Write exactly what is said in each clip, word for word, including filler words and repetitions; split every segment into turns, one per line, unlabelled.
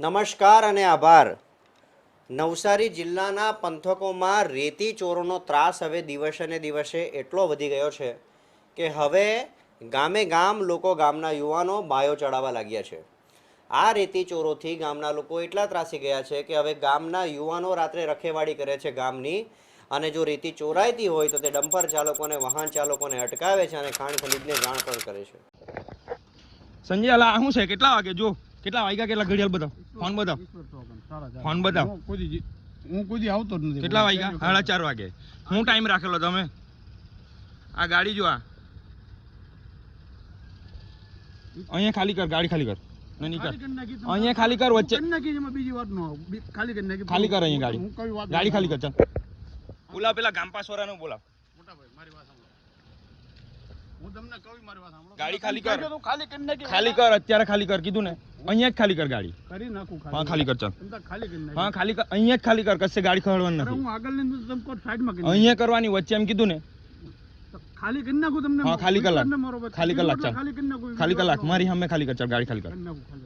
નમસ્કાર અને આભાર. નવસારી જિલ્લાના પંથકોમાં રેતી ચોરોનો ત્રાસ હવે દિવસે ને દિવસે એટલો વધી ગયો છે કે હવે ગામે ગામ લોકો ગામના યુવાનો બાયો ચડાવવા લાગ્યા છે. આ રેતી ચોરોથી ગામના લોકો એટલા ત્રાસી ગયા છે કે હવે ગામના યુવાનો રાત્રે રખેવાળી કરે છે ગામની, અને જો રેતી ચોરાઈતી હોય તો તે ડમ્પર ચાલકોને વાહન ચાલકોને અટકાવે છે અને ખાણ ખનીજને જાણ પણ કરે છે.
સંજય અલા શું છે? કેટલા વાગે જો કેટલા વાગ્યા કેટલા ઘડિયાળ બતાવ, ફોન બતાવ, ફોન બતાવ.
હું કોઈ આવતો જ નથી.
કેટલા વાગ્યા? સાડા ચાર વાગે. હું ટાઈમ રાખેલો તમે? આ ગાડી જો, આ અહીંયા ખાલી કર, ગાડી ખાલી કર. નહીં કર, અહીંયા ખાલી કર, વચ્ચે
બીજી વાત નો ખાલી કરી નાખી.
ખાલી કર અહીંયા ગાડી, ગાડી ખાલી કર. ચાલ બોલાવ, પેલા ગામપાસ વાળાને બોલાવ.
મોટા ભાઈ મારી વાત સાંભળો, હું તમને કહું મારી વાત સાંભળો.
ગાડી ખાલી કર,
ખાલી કરી નાખી.
ખાલી કર, અત્યારે ખાલી કર કીધું ને. અહીંયા જ ખાલી કર ગાડી.
કરી નાખું.
હા ખાલી કર. ચાલ
ખાલી કરી નાખ.
હા ખાલી કર, અહીંયા જ ખાલી કર, કશે ગાડી ખવડવાની નથી.
હું આગળ ને તમે કોઈ સાઈડમાં કરી
અહીંયા કરવાની, વચ્ચે એમ કીધું ને.
ખાલી કરી નાખું તમને.
હા ખાલી કલાક, ખાલી કલાક. ચાલ
ખાલી કરી નાખું.
ખાલી કલાક મારી સામે ખાલી કર. ચાલ ગાડી ખાલી કર.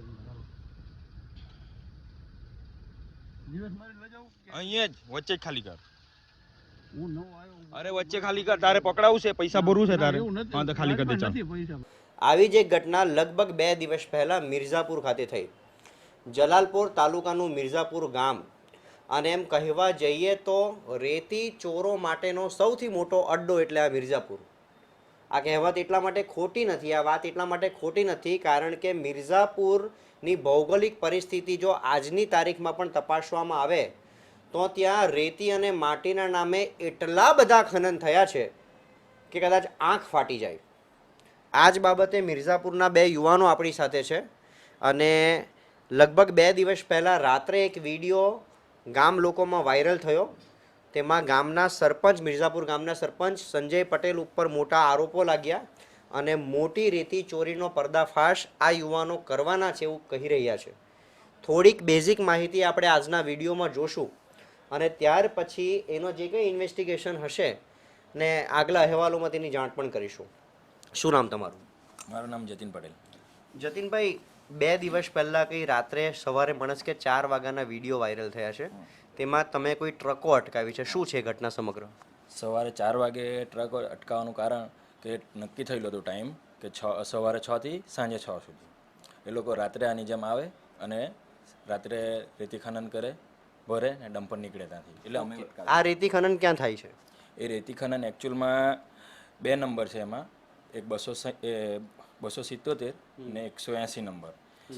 દિવસ મારી લઈ જાઉં.
અહીંયા જ વચ્ચે જ ખાલી કર.
હું નવો આવ્યો.
અરે વચ્ચે ખાલી કર, તારે પકડાવું છે, પૈસા ભરવું છે તારે. હા તો ખાલી કર દે. ચાલ.
આવી જ એક ઘટના લગભગ બે દિવસ પહેલાં મિર્ઝાપુર ખાતે થઈ. જલાલપોર તાલુકાનું મિર્ઝાપુર ગામ, અને એમ કહેવા જઈએ તો રેતી ચોરો માટેનો સૌથી મોટો અડ્ડો એટલે આ મિર્ઝાપુર. આ કહેવત એટલા માટે ખોટી નથી, આ વાત એટલા માટે ખોટી નથી કારણ કે મિર્ઝાપુરની ભૌગોલિક પરિસ્થિતિ જો આજની તારીખમાં પણ તપાસવામાં આવે તો ત્યાં રેતી અને માટીના નામે એટલા બધા ખનન થયા છે કે કદાચ આંખ ફાટી જાય. આ જ બાબતે મિર્ઝાપુરના બે યુવાનો આપણી સાથે છે, અને લગભગ બે દિવસ પહેલાં રાત્રે એક વિડીયો ગામ લોકોમાં વાયરલ થયો. તેમાં ગામના સરપંચ, મિર્ઝાપુર ગામના સરપંચ સંજય પટેલ ઉપર મોટા આરોપો લાગ્યા અને મોટી રેતી ચોરીનો પર્દાફાશ આ યુવાનો કરવાના છે એવું કહી રહ્યા છે. થોડીક બેઝિક માહિતી આપણે આજના વિડીયોમાં જોશું, અને ત્યાર પછી એનો જે કંઈ ઇન્વેસ્ટિગેશન હશે ને આગલા અહેવાલોમાં તેની જાણ પણ કરીશું. શું નામ તમારું?
મારું નામ જતીન પટેલ.
જતીનભાઈ, બે દિવસ પહેલાં કંઈ રાત્રે સવારે મણસ કે ચાર વાગ્યાના વિડીયો વાયરલ થયા છે, તેમાં તમે કોઈ ટ્રકો અટકાવી છે. શું છે ઘટના સમગ્ર?
સવારે ચાર વાગે ટ્રક અટકાવવાનું કારણ કે નક્કી થયેલું હતું ટાઈમ કે છ સવારે છથી સાંજે છ સુધી એ લોકો રાત્રે આની જેમ આવે અને રાત્રે રેતી ખનન કરે, ભરે ને ડમ્પર નીકળે ત્યાંથી. એટલે અમે
આ રેતી ખનન ક્યાં થાય છે?
એ રેતી ખનન એકચ્યુઅલમાં બે નંબર છે. એમાં એક બસો એ બસો સિત્તોતેર ને એકસો એંસી નંબર.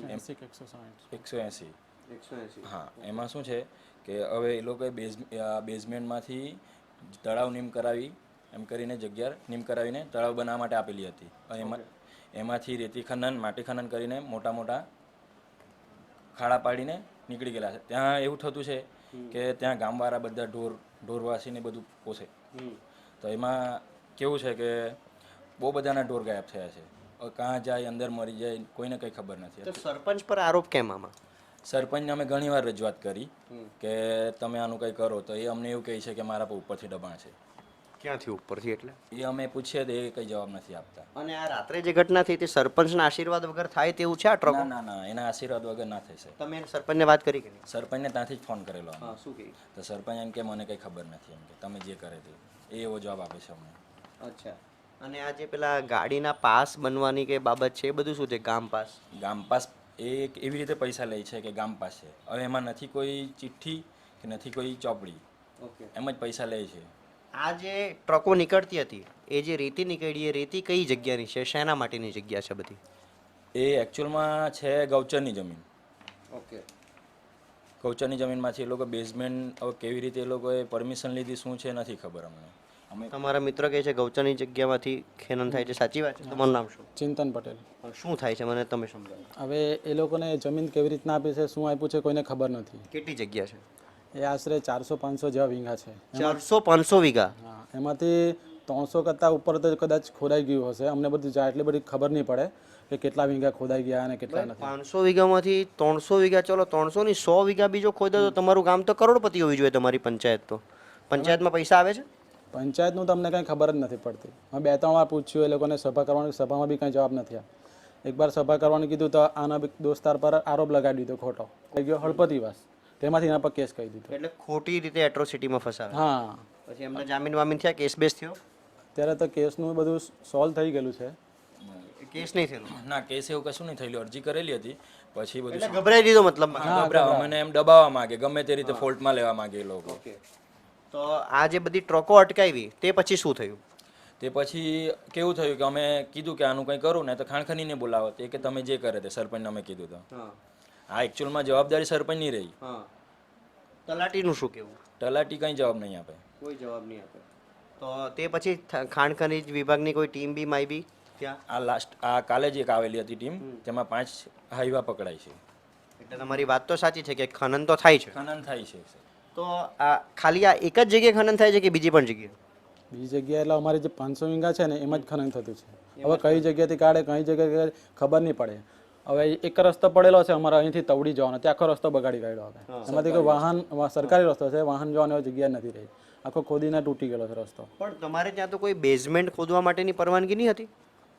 એકસો એંસી. હા, એમાં શું છે કે હવે એ લોકોએ બેઝ બેઝમેન્ટમાંથી તળાવ નીમ કરાવી એમ કરીને જગ્યા નીમ કરાવીને તળાવ બનાવવા માટે આપેલી હતી. એમાં એમાંથી રેતી ખનન, માટી ખનન કરીને મોટા મોટા ખાડા પાડીને નીકળી ગયેલા છે. ત્યાં એવું થતું છે કે ત્યાં ગામવાળા બધા ઢોર ઢોરવાસીને બધું પોષે, તો એમાં કેવું છે કે બહુ બધાના ઢોર ગાયબ થયા છે. કાં જાય, અંદર મરી જાય, કોઈને કંઈ ખબર નથી.
તો સરપંચ પર આરોપ કેમ આમાં?
સરપંચને અમે ઘણી વાર રજૂઆત કરી કે તમે આનું કંઈ કરો, તો એ અમને એવું કહે છે કે મારા પર ઉપરથી દબાણ છે.
ક્યાંથી ઉપરથી? એટલે
એ અમે પૂછીએ તો એ કંઈ જવાબ નથી આપતા.
અને આ રાત્રે જે ઘટના થઈ તે સરપંચના આશીર્વાદ વગર થાય તેવું છે આ ટ્રકો?
ના ના ના, એના આશીર્વાદ વગર ના થઈ શકે.
તમે સરપંચને વાત કરી કે નહીં?
સરપંચને ત્યાંથી જ ફોન કરેલો.
હા, શું કહ્યું?
તો સરપંચ એમ કે મને કંઈ ખબર નથી, એમ કે તમે જે કરે તે. એ એવો જવાબ આપે છે અમને.
અચ્છા. અને આ જે પેલા ગાડીના પાસ બનવાની કે બાબત છે, એ બધું શું છે? ગામ પાસ?
ગામ પાસ એ એક એવી રીતે પૈસા લે છે કે ગામ પાસ છે. હવે એમાં નથી કોઈ ચિઠ્ઠી કે નથી કોઈ ચોપડી,
ઓકે,
એમ જ પૈસા લે છે.
આ જે ટ્રકો નીકળતી હતી, એ જે રેતી નીકળી, એ રેતી કઈ જગ્યાની છે? શેના માટેની જગ્યા છે બધી?
એ એકચ્યુઅલમાં છે ગૌચરની જમીન.
ઓકે.
ગૌચરની જમીનમાંથી એ લોકો બેઝમેન્ટ હવે કેવી રીતે એ લોકોએ પરમિશન લીધી શું છે નથી ખબર અમને. અમે
તમારા મિત્ર કહે છે ગૌચરની જગ્યામાંથી ખનન થાય છે, સાચી વાત છે? તમારું નામ શું?
ચિંતન પટેલ.
શું થાય છે મને તમે સમજાવો.
હવે એ લોકોને જમીન કેવી રીતના આપી છે, શું આપ્યું છે, કોઈને ખબર નથી.
કેટલી જગ્યા છે?
એ આશરે ચારસો પાંચસો જેવા વીઘા છે.
ચારસો પાંચસો વીઘા?
હા, એમાંથી ત્રણસો કરતાં ઉપર તો કદાચ ખોદાઈ ગયું હશે. અમને બધું જાય એટલી બધી ખબર નહીં પડે કે કેટલા વીઘા ખોદાઈ ગયા અને કેટલા નથી.
પાંચસો વીઘામાંથી ત્રણસો વીઘા, ચલો ત્રણસો ની સો વીઘા બીજો ખોદે તો તમારું ગામ તો કરોડપતિ હોવી જોઈએ. તમારી પંચાયત તો, પંચાયતમાં પૈસા આવે છે?
પંચાયતનું તમને કંઈ ખબર જ નથી પડતી. અમે બે ત્રણ વાર પૂછ્યું એ લોકોને, સભા કરવાની, સભામાં બી કંઈ જવાબ નથી. એકવાર સભા કરવાનું કીધું તો આના બી દોસ્તાર પર આરોપ લગાડી દીધો ખોટો થઈ ગયો હળપતિવાસ, તેમાંથી એના પર કેસ કહી દીધો.
એટલે ખોટી રીતે એટ્રોસિટીમાં ફસાવે.
હા,
પછી એમને જામીન વામીન થયા, કેસ બેસ થયો?
અત્યારે તો કેસનું બધું સોલ્વ થઈ ગયેલું છે.
કેસ નહીં થયેલો
ના કેસ એવું કશું નહીં થયેલું, અરજી કરેલી હતી પછી બધું
એટલે ગભરાઈ દીધો મતલબ.
ગભરાવા મને એમ દબાવવા માંગે, ગમે તે રીતે ફોલ્ટમાં લેવા માંગે એ લોકો.
તો આ જે બધી ટ્રકો અટકાવી તે પછી શું થયું?
તે પછી કેવું થયું કે અમે કીધું કે આનું કંઈ કરું ને તો ખાણખનીને બોલાવો, તે કે તમે જે કરે તે સરપંચને અમે કીધું તો
હા
આ એકચ્યુઅલમાં જવાબદારી સરપંચની રહી.
હા તલાટીનું શું કેવું?
તલાટી કંઈ જવાબ નહીં આપે.
કોઈ જવાબ નહીં આપે. તો તે પછી થ- ખાણ ખનીજ વિભાગની કોઈ ટીમ બી માઈ ત્યાં?
આ લાસ્ટ આ કાલે જ એક આવેલી હતી ટીમ, તેમાં પાંચ હાઈવા પકડાય છે.
એટલે તમારી વાત તો સાચી છે કે ખનન તો થાય છે.
ખનન થાય છે.
તો આ ખાલી આ એક જ જગ્યાએ ખનન થાય છે કે બીજી પણ જગ્યાએ?
બીજી જગ્યાએ એટલે અમારી જે પાંચસો વીંગા છે ને એમાં જ ખનન થતું છે. હવે કઈ જગ્યાએથી કાઢે કઈ જગ્યાએ ખબર નહીં પડે. હવે એક રસ્તો પડેલો છે અમારા અહીંથી તવડી જવાનો, તે આખો રસ્તો બગાડી કાઢ્યો. હવે એમાંથી કોઈ વાહન સરકારી રસ્તો છે, વાહન જવાની જગ્યા નથી રહી, આખો ખોદીને તૂટી ગયેલો છે રસ્તો.
પણ તમારે ત્યાં તો કોઈ બેઝમેન્ટ ખોદવા માટેની પરવાનગી નહીં હતી?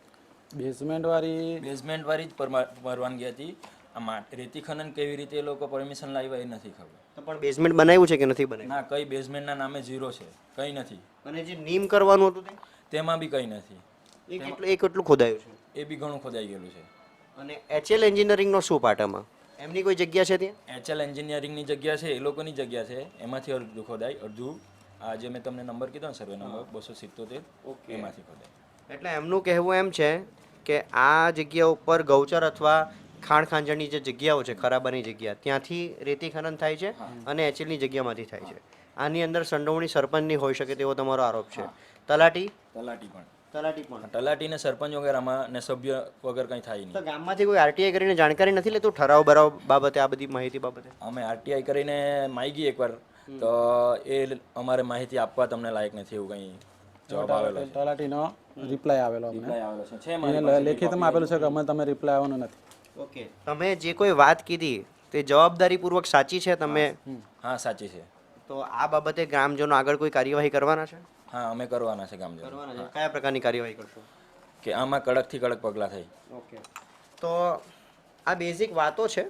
બેઝમેન્ટ વાળી
બેઝમેન્ટ વાળી જ પરમા- પરવાનગી હતી. આ મા- રેતી ખનન કેવી રીતે એ લોકો પરમિશન લાવ્યા એ નથી ખબર.
તો પણ બેઝમેન્ટ બનાવ્યું છે કે નથી બનાવ્યું?
ના કઈ બેઝમેન્ટના નામે ઝીરો છે, કંઈ નથી.
અને જે નીમ કરવાનું હતું તે?
તેમાં બી કંઈ નથી.
એ કેટલું એ કેટલું ખોદાયું છે?
એ બી ઘણું ખોદાઈ ગયેલું છે.
અને એચએલ એન્જિનિયરિંગનો શું પાર્ટ આમાં? એમની કોઈ જગ્યા છે ત્યાં?
એચએલ એન્જિનિયરિંગની જગ્યા છે, એ લોકોની જગ્યા છે, એમાંથી અડધું ખોદાય, અડધું આ જે મેં તમને નંબર કીધો ને સર્વે નંબર બસો સિત્તોતેર એમાંથી ખોદાય.
એટલે એમનું કહેવું એમ છે કે આ જગ્યા ઉપર ગૌચર અથવા ખાણ ખાંજણની જે જગ્યાઓ છે, ખરાબાની જગ્યા, ત્યાંથી રેતી ખનન થાય છે અને એચએલની જગ્યામાંથી થાય છે. આની અંદર સંડોવણી સરપંચની હોઈ શકે તેવો તમારો આરોપ છે. તલાટી?
તલાટી પણ
તલાટી પણ.
તલાટી ને સરપંચ વગેરેમાં ને સભ્ય વગર કંઈ થાય
તો
નહીં.
ગામમાંથી કોઈ આરટીઆઈ કરીને જાણકારી નથી લેતું ઠરાવ બરાવ બાબતે, આ બધી માહિતી બાબતે?
અમે આરટીઆઈ કરીને માગી એકવાર તો એ અમારે માહિતી આપવા તમને લાયક નથી એવું કંઈ જવાબ આવેલો છે.
તલાટીનો રિપ્લાય આવેલો અમને.
રિપ્લાય આવેલો છે. છે મારી
એને લેખિતમાં આપેલું છે કે અમે તમે રિપ્લાય આવવાનો નથી.
ઓકે, તમે જે કોઈ વાત કીધી તે જવાબદારીપૂર્વક સાચી છે? તમે
હા સાચી છે.
તો આ બાબતે ગ્રામજનો આગળ કોઈ કાર્યવાહી કરવાના છે?
હા અમે કરવાના છે ગામજનો.
કરવાના છે. કયા પ્રકારની કાર્યવાહી કરશો?
કે આમાં કડકથી કડક પગલાં થાય.
ઓકે, તો આ બેઝિક વાતો છે.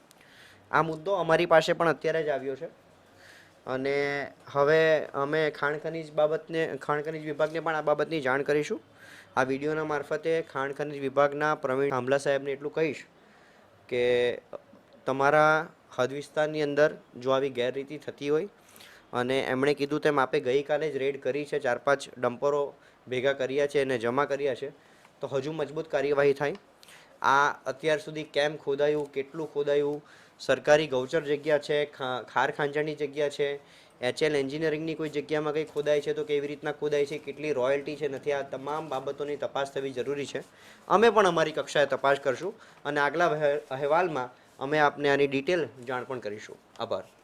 આ મુદ્દો અમારી પાસે પણ અત્યારે જ આવ્યો છે અને હવે અમે ખાણ ખનીજ બાબતને ખાણ ખનીજ વિભાગને પણ આ બાબતની જાણ કરીશું. આ વિડીયોના મારફતે ખાણ ખનીજ વિભાગના પ્રવીણ થાંભલા સાહેબને એટલું કહીશ કે તમારા હદ વિસ્તારની અંદર જો આવી ગેરરીતિ થતી હોય, અને એમણે કીધું તેમ આપે ગઈકાલે જ રેડ કરી છે, ચાર પાંચ ડમ્પરો ભેગા કર્યા છે અને જમા કર્યા છે, તો હજુ મજબૂત કાર્યવાહી થાય. આ અત્યાર સુધી કેમ ખોદાયું, કેટલું ખોદાયું, સરકારી ગૌચર જગ્યા છે, ખાર ખાંચાની જગ્યા છે, એચએલ એન્જિનિયરિંગની કોઈ જગ્યામાં કંઈ ખોદાય છે તો કેવી રીતના ખોદાય છે, કેટલી રોયલ્ટી છે નથી, આ તમામ બાબતોની તપાસ થવી જરૂરી છે. અમે પણ અમારી કક્ષાએ તપાસ કરશું અને આગલા અહેવાલમાં અમે આપને આની ડિટેલ જાણ પણ કરીશું. આભાર.